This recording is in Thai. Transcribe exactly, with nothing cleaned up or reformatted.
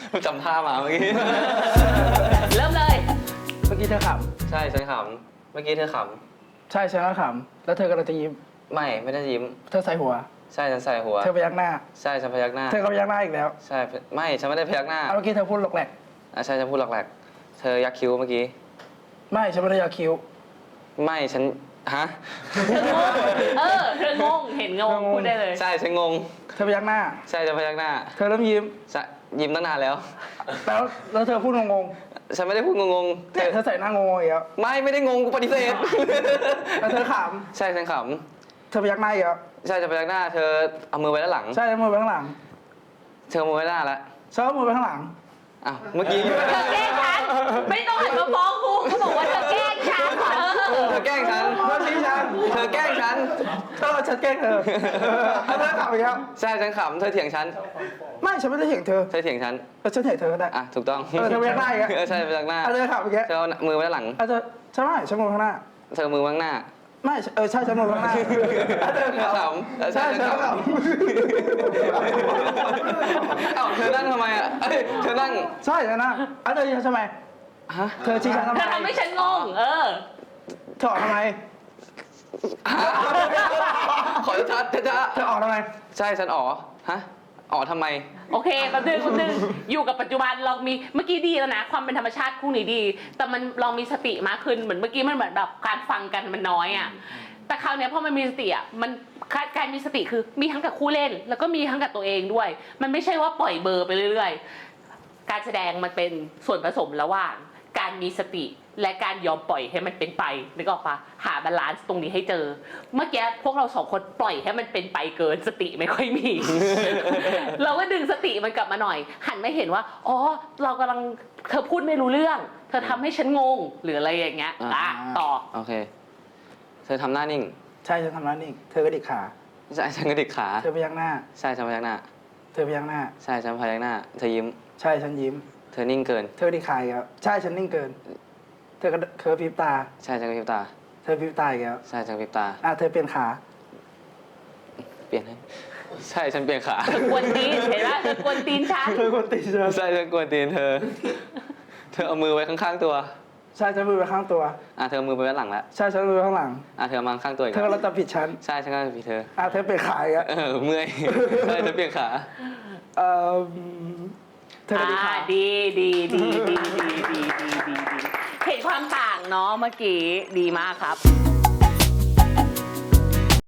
จำท่ามาเมื่อกี้เริ่มเลยเมื่อกี้เธอขใช่ฉันขำเมื่อกี้เธอขำใช่ฉันก็ขำแล้วเธอกำลังจะยิ้มำไม่ไม่ได้ยิ้มเธอใส่หัวใช่ฉันใส่หัวเธอพยักหน้าใช่ฉันพยักหน้าเธอก็พยักหน้าอีกแล้วใช่ไม่ฉันไม่ได้พยักหน้าเอาเมื่อกี้เธอพูดหลอกแหลกอ่ะใช่ฉันพูดหลักๆเธอยักคิ้วเมื่อกี้ไม่ฉันไม่ได้ยาคิ้วไม่ฉันฮะเธองงเออเธองงเห็นงงพูดได้เลยใช่ฉันงงเธอพยักหน้าใช่ฉันพยักหน้าเธอเริ่มยิ้มใช่ยิ้มตั้งนานแล้วแล้วแล้วเธอพูดงงฉันไม่ได้พูดงงๆๆเธเนี่ยอเธอใส่หน้างงๆอีกแล้วไม่ไม่ได้งงกูปฏิเสธแล้วเธอขใช่ฉันขำเธอพยักหน้าอีกแล้วำใช่ฉันพยักหน้า เธอเอามือไว้ด้านหลังใช่แล้วมือไปข้างหลังเธอเอามือไว้ด้านหน้าแล้วฉันเอามือไปข้างหลังอ้าวเมื่อกี้เธอแกล้งฉันไม่ต้องหันมาฟ้องกูเขาบอกว่าเธอแกล้งฉันเออเธอแกล้งฉันเธอชี้ฉันเธอแกล้งฉันเธอฉันแกล้งเธอแล้วเธอขำอีกแล้วใช่ฉันขำเธอเถียงฉันไม่ฉันไม่ได้เถียงเธอเธอเถียงฉันเออฉันเถียงเธอก็ได้อ่ะถูกต้องเออเธอพยักหน้าอีกแล้วเออใช่พยักหน้าเอาเธอขำอีกแล้วเธอเอามือไว้ด้านหลังเอาเธอใช่ไหมฉันมือข้างหน้าเธอมือไว้ข้างหน้าไม่เออใช่ฉันมือข้างหน้าเอาเธอเธอขขำเออำใช่ใช่ฉันฉันขำขำเอ้าเธอนั่งทำไมอ่ะเอ้ยเธอนั่งใช่ฉันนะเอาเธอชี้ฉันทำไมฮะเธอชี้ฉันทำไมเธอทำให้ฉันงงเออเธอออกทำไมขอชัดๆช้าเธอออกทำไมๆใช่ฉันอ๋อฮะอ๋อทำไมโอเคแป๊บนึงแป๊บนึงอยู่กับปัจจุบันเรามีเมื่อกี้ดีแล้วนะ ความเป็นธรรมชาติคู่นี้ดี แต่มันเรามีสติมากขึ้นเหมือนเมื่อกี้มันเหมือนแบบการฟังกันมันน้อยอ่ะแต่คราวเนี้ยพอมันมีสติอ่ะมันการมีสติคือมีทั้งกับคู่เล่น แล้วก็มีทั้งกับตัวเองด้วย มันไม่ใช่ว่าปล่อยเบอร์ไปเรื่อยๆการแสดงมันเป็นส่วนผสมระหว่างการมีสติและการยอมปล่อยให้มันเป็นไปนึกออกปะหาบาลานซ์ตรงนี้ให้เจอ เมื่อกี้พวกเราสองคนปล่อยให้มันเป็นไปเกินสติไม่ค่อยมี เราก็ดึงสติมันกลับมาหน่อย หันมาเห็นว่าอ๋อเรากำลังเธอพูดไม่รู้เรื่อง เธอทำให้ฉันงงหรืออะไรอย่างเงี้ยอ่ะต่อโอเค เธอทำหน้านิ่งใช่ฉันทำนั้นนี่เธอกระดิกขาใช่ฉันกระดิกขาเธอพยักหน้าใช่ฉันพยักหน้าเธอพยักหน้าใช่ฉันพยักหน้า เธอยิ้มใช่ฉันยิ้มเธอนิ่งเกินเธอกระดิกขาอีกแล้วใช่ฉันนิ่งเกิน เธอกระเธอพริบตาใช่ฉันกระพริบตาเธอพริบตาอีกแล้วใช่ฉันกระพริบตาอ่ะเธอเปลี่ยนขาเปลี่ยนให้ใช่ฉันเปลี่ยนขาเธอกวนตีนเห็นปะเธอกวนตีนฉันเธอกดตีเธอใช่ฉันกวนตีนเธอ เธอเอามือไว้ข้างๆตัวใช่ฉันมือไปข้างตัวอ่ะเธอเอามือไปไว้หลังแล้วใช่ฉันมือไปข้างหลังอ่ะเธอมาข้างตัวอีกเธอแล้วเราจะผิดฉันใช่ฉันก็ผิดเธออ่ะเธอเปลี่ยนขาอีกแล้วเออเมื่อย ใช่เธอเปลี่ยนขาเอ่อเธอกระดิกอ่าขาดีดีดีดีดีดีดีดีเห็นความต่างเนาะเมื่อกี้ดีมากครับ